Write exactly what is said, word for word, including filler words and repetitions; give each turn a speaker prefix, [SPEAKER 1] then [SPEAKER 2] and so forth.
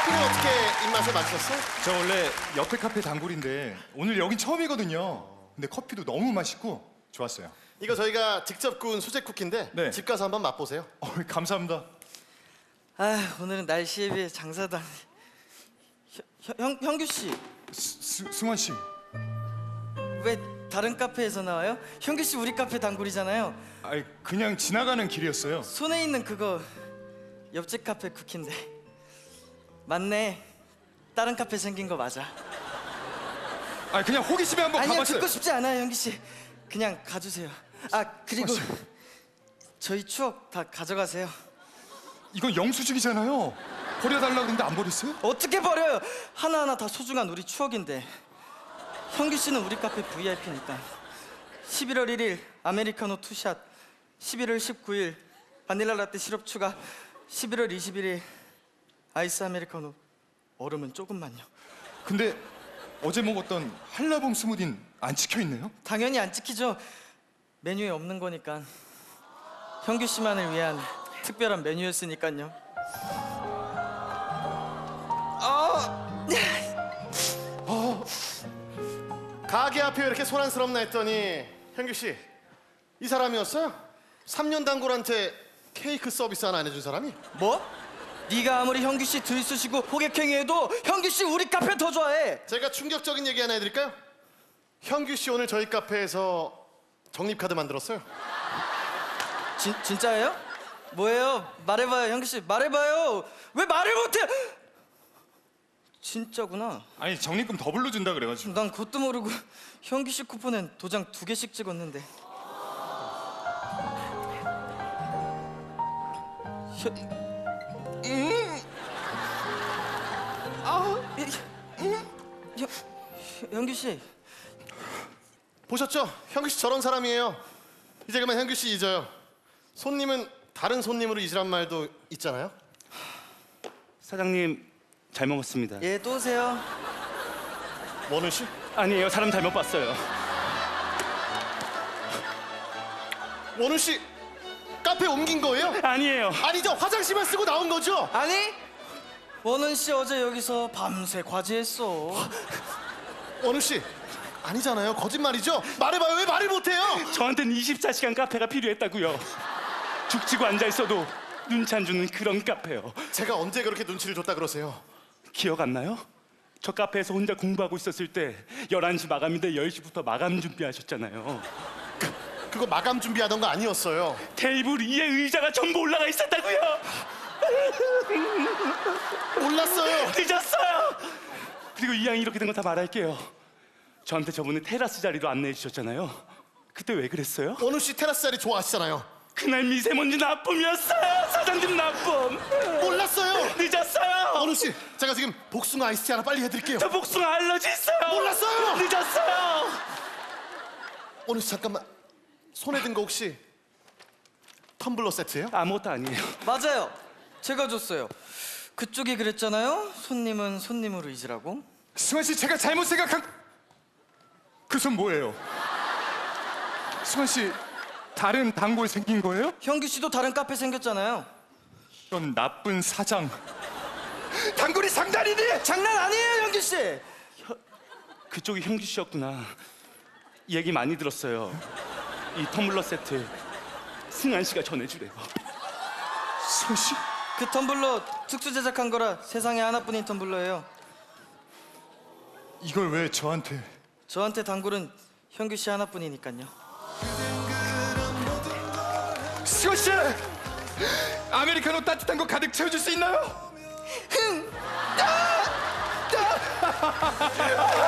[SPEAKER 1] 커피는 어떻게 입맛에 맞췄어?
[SPEAKER 2] 저 원래 옆에 카페 단골인데 오늘 여긴 처음이거든요. 근데 커피도 너무 맛있고 좋았어요.
[SPEAKER 1] 이거 저희가 직접 구운 수제 쿠키인데
[SPEAKER 2] 네.
[SPEAKER 1] 집 가서 한번 맛보세요.
[SPEAKER 2] 어, 감사합니다.
[SPEAKER 3] 아 오늘은 날씨에 비해 장사도 안 돼. 형, 형, 형규 씨,
[SPEAKER 2] 스, 스, 승환 씨.
[SPEAKER 3] 왜 다른 카페에서 나와요? 형규 씨 우리 카페 단골이잖아요.
[SPEAKER 2] 아니 그냥 지나가는 길이었어요.
[SPEAKER 3] 손에 있는 그거 옆집 카페 쿠키인데. 맞네. 다른 카페 생긴 거 맞아.
[SPEAKER 2] 아니 그냥 호기심에 한번
[SPEAKER 3] 아니요,
[SPEAKER 2] 가봤어요.
[SPEAKER 3] 듣고 싶지 않아요, 형규 씨. 그냥 가주세요. 아 그리고
[SPEAKER 2] 어, 씨.
[SPEAKER 3] 저희 추억 다 가져가세요.
[SPEAKER 2] 이건 영수증이잖아요. 버려달라고 그랬는데 안 버렸어요?
[SPEAKER 3] 어떻게 버려요? 하나하나 다 소중한 우리 추억인데. 형규 씨는 우리 카페 브이아이피니까. 십일월 일일 아메리카노 투샷, 십일월 십구일 바닐라 라떼 시럽 추가, 십일월 이십일일 아이스 아메리카노 얼음은 조금만요.
[SPEAKER 2] 근데 어제 먹었던 한라봉 스무디는 안 찍혀있네요?
[SPEAKER 3] 당연히 안 찍히죠. 메뉴에 없는 거니까. 형규 씨만을 위한 특별한 메뉴였으니까요. 아,
[SPEAKER 1] 가게 앞에 왜 이렇게 소란스럽나 했더니 현규 씨, 이 사람이었어요? 삼 년 단골한테 케이크 서비스 하나 안 해준 사람이?
[SPEAKER 3] 뭐? 네가 아무리 형규 씨 들쑤시고 호객행위해도 형규 씨 우리 카페 더 좋아해.
[SPEAKER 1] 제가 충격적인 얘기 하나 해드릴까요? 현규 씨 오늘 저희 카페에서 적립카드 만들었어요.
[SPEAKER 3] 진, 진짜예요? 뭐예요? 말해봐요, 형규 씨. 말해봐요. 왜 말을 못해? 진짜구나.
[SPEAKER 2] 아니 적립금 더블로 준다 그래가지고.
[SPEAKER 3] 난 그것도 모르고 형규 씨 쿠폰엔 도장 두 개씩 찍었는데. 혀, 음, 아, 음, 형, 형규 씨.
[SPEAKER 1] 보셨죠? 현규 씨 저런 사람이에요. 이제 그만 현규 씨 잊어요. 손님은 다른 손님으로 잊으란 말도 있잖아요.
[SPEAKER 4] 사장님 잘 먹었습니다.
[SPEAKER 3] 예, 또 오세요.
[SPEAKER 1] 원우 씨?
[SPEAKER 4] 아니에요, 사람 잘못 봤어요.
[SPEAKER 1] 원우 씨 카페 옮긴 거예요?
[SPEAKER 4] 아니에요.
[SPEAKER 1] 아니죠. 화장실만 쓰고 나온 거죠?
[SPEAKER 3] 아니, 원은 씨 어제 여기서 밤새 과제했어.
[SPEAKER 1] 원우 씨 아니잖아요. 거짓말이죠. 말해봐요. 왜 말을 못해요?
[SPEAKER 4] 저한테는 이십사 시간 카페가 필요했다고요. 죽치고 앉아 있어도 눈치 안 주는 그런 카페요.
[SPEAKER 1] 제가 언제 그렇게 눈치를 줬다 그러세요?
[SPEAKER 4] 기억 안 나요? 저 카페에서 혼자 공부하고 있었을 때 열한 시 마감인데 열 시부터 마감 준비하셨잖아요.
[SPEAKER 1] 그거 마감 준비하던 거 아니었어요.
[SPEAKER 4] 테이블 위에 의자가 전부 올라가 있었다고요.
[SPEAKER 1] 몰랐어요.
[SPEAKER 4] 늦었어요. 그리고 이 양이 이렇게 된 거 다 말할게요. 저한테 저번에 테라스 자리로 안내해 주셨잖아요. 그때 왜 그랬어요?
[SPEAKER 1] 원우 씨 테라스 자리 좋아하시잖아요.
[SPEAKER 4] 그날 미세먼지 나쁨이었어요. 사장님 나쁨.
[SPEAKER 1] 몰랐어요.
[SPEAKER 4] 늦었어요.
[SPEAKER 1] 원우 씨 제가 지금 복숭아 아이스티 하나 빨리 해드릴게요.
[SPEAKER 4] 저 복숭아 알러지 있어요.
[SPEAKER 1] 몰랐어요.
[SPEAKER 4] 늦었어요.
[SPEAKER 1] 원우 씨 잠깐만. 손에 든 거 혹시 텀블러 세트예요?
[SPEAKER 4] 아무것도 아니에요.
[SPEAKER 3] 맞아요. 제가 줬어요. 그쪽이 그랬잖아요. 손님은 손님으로 잊으라고.
[SPEAKER 2] 승환 씨 제가 잘못 생각한 그 손 뭐예요? 승환 씨 다른 단골 생긴 거예요?
[SPEAKER 3] 형규 씨도 다른 카페 생겼잖아요.
[SPEAKER 2] 이런 나쁜 사장. 단골이 상단이니?
[SPEAKER 3] 장난 아니에요, 형규 씨.
[SPEAKER 4] 그쪽이 형규 씨였구나. 얘기 많이 들었어요. 이 텀블러 세트 승환 씨가 전해주래요.
[SPEAKER 2] 승환 씨?
[SPEAKER 3] 그 텀블러 특수 제작한 거라 세상에 하나뿐인 텀블러예요.
[SPEAKER 2] 이걸 왜 저한테?
[SPEAKER 3] 저한테 단골은 형규 씨 하나뿐이니까요.
[SPEAKER 2] 승환 씨! 아메리카노 따뜻한 거 가득 채워줄 수 있나요?
[SPEAKER 3] 흥! 아! 아!